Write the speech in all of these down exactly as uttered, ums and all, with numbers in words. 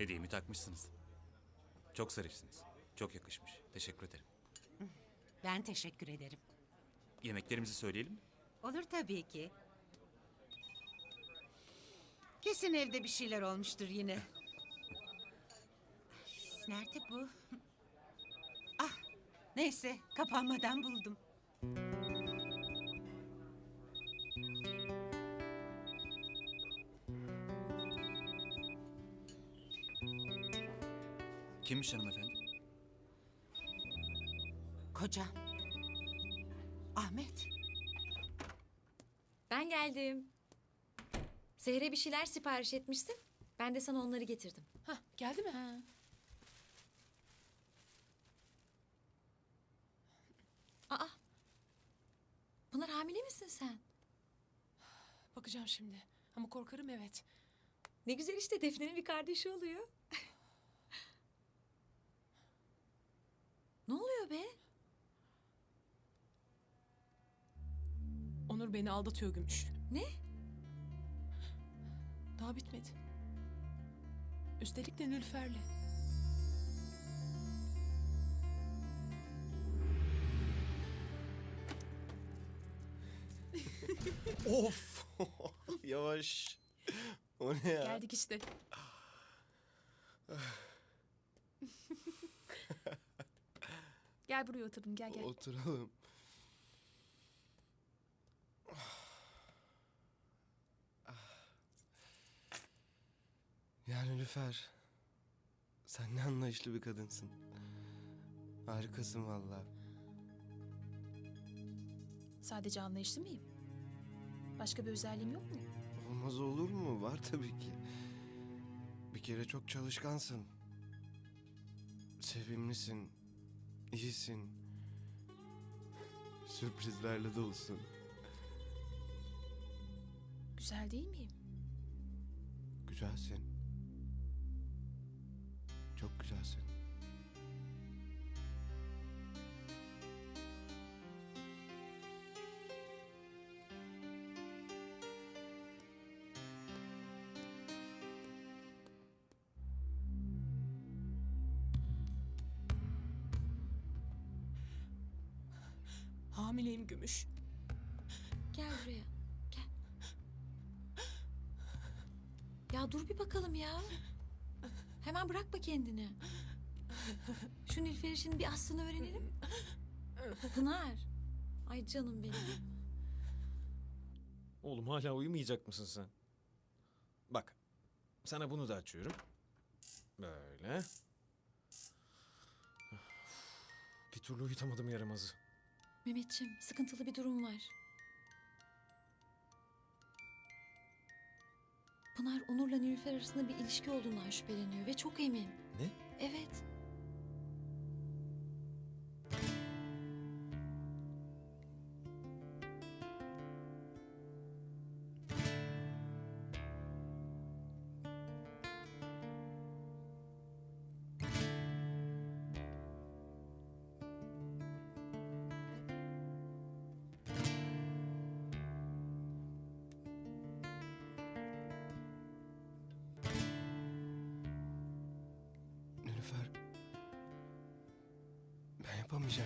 Hediyemi takmışsınız. Çok zarifsiniz. Çok yakışmış. Teşekkür ederim. Ben teşekkür ederim. Yemeklerimizi söyleyelim mi? Olur tabii ki. Kesin evde bir şeyler olmuştur yine. Nerede bu? Ah, neyse kapanmadan buldum. Kimmiş hanımefendi? Kocam. Ahmet. Ben geldim. Seher'e bir şeyler sipariş etmişsin. Ben de sana onları getirdim. Hah, geldi mi? Ha. Aa. Pınar, hamile misin sen? Bakacağım şimdi. Ama korkarım, evet. Ne güzel işte, Defne'nin bir kardeşi oluyor. Ne oluyor be? Onur beni aldatıyor Gümüş. Ne? Daha bitmedi. Üstelik de Nülfer'le. Of! Yavaş. O ne ya? Geldik işte. Gel buraya oturun, gel gel. Oturalım. Yani Nilüfer, sen ne anlayışlı bir kadınsın. Harikasın vallahi. Sadece anlayışlı mıyım? Başka bir özelliğim yok mu? Olmaz olur mu? Var tabii ki. Bir kere çok çalışkansın. Sevimlisin. İyisin. Sürprizlerle dolusun. Güzel değil miyim? Güzelsin. Çok güzelsin. Hamileyim Gümüş. Gel buraya. Gel. Ya dur bir bakalım ya. Hemen bırakma kendini. Şu Nilüfer işinin bir aslını öğrenelim. Pınar. Ay canım benim. Oğlum, hala uyumayacak mısın sen? Bak, sana bunu da açıyorum. Böyle. Bir türlü uyutamadım yaramazı. Mehmetciğim, sıkıntılı bir durum var. Pınar, Onur'la Nilüfer arasında bir ilişki olduğundan şüpheleniyor ve çok emin. Ne? Evet. Nilüfer, ben yapamayacağım.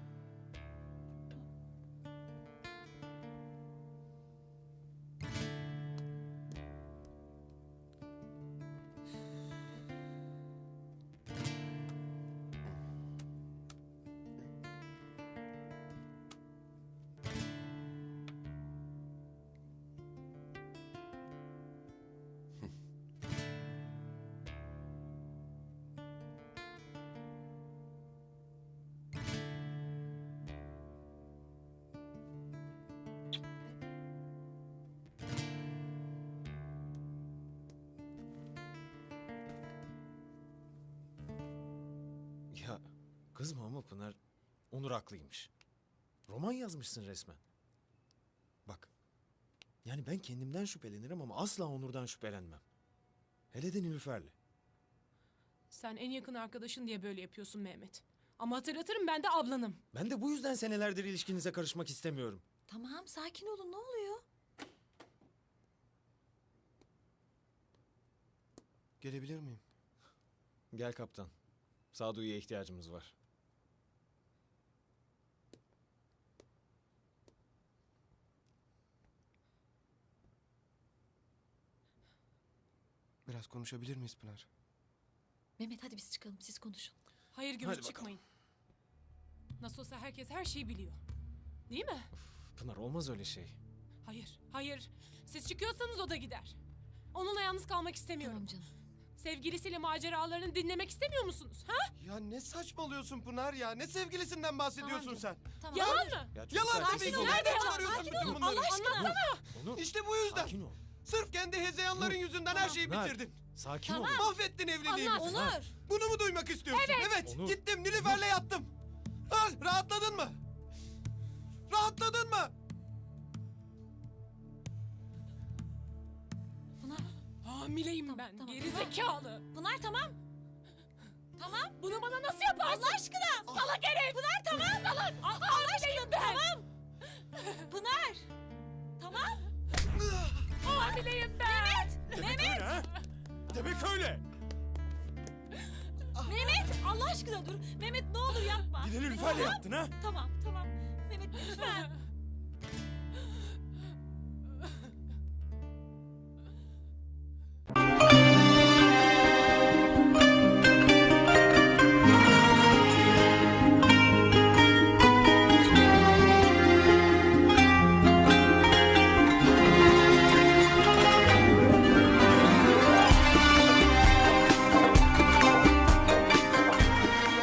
Ya kızma ama Pınar, Onur haklıymış. Roman yazmışsın resmen. Bak, yani ben kendimden şüphelenirim ama asla Onur'dan şüphelenmem. Hele de Nilüfer'le. Sen en yakın arkadaşın diye böyle yapıyorsun Mehmet. Ama hatırlatırım, ben de ablanım. Ben de bu yüzden senelerdir ilişkinize karışmak istemiyorum. Tamam, sakin olun, ne oluyor? Gelebilir miyim? Gel kaptan. Sağduyuya ihtiyacımız var. Biraz konuşabilir miyiz Pınar? Mehmet hadi biz çıkalım siz konuşun. Hayır Hadi Gümüş bakalım. çıkmayın. Nasıl olsa herkes her şeyi biliyor. Değil mi? Pınar olmaz öyle şey. Hayır, hayır. Siz çıkıyorsanız o da gider. Onunla yalnız kalmak istemiyorum. Tamam canım. Sevgilisiyle maceralarını dinlemek istemiyor musunuz? Ha? Ya ne saçmalıyorsun Pınar ya? Ne sevgilisinden bahsediyorsun Tamam sen? Tamam. Yalan mı? Ya Yalan çocuklar, tabii sessiz ki. olun. Nereden yalan? çıkarıyorsun Sakin bütün olun, bunları? Allah aşkına. Onur, İşte bu yüzden. sakin ol. Sırf kendi hezeyanların yüzünden her şeyi Pınar, bitirdin. Sakin ol. Mahvettin evliliğimizi. Anlat. Pınar. Bunu mu duymak istiyorsun? Evet. Onur. Gittim Nilüfer'le yattım. Ha, rahatladın mı? Rahatladın mı? Pınar. Hamileyim Tamam, ben. tamam. Geri zekalı. Pınar tamam. Tamam. Bunu bana nasıl yaparsın? Allah aşkına. Salak herif. Pınar tamam. Salak. Allah aşkına ben. Tamam. Pınar. Tamam. Hamileyim ben. Demek öyle ha? Demek öyle. Mehmet Allah aşkına dur. Mehmet ne olur yapma. Bir de Nilüfer'le yattın ha? Tamam tamam. Mehmet lütfen.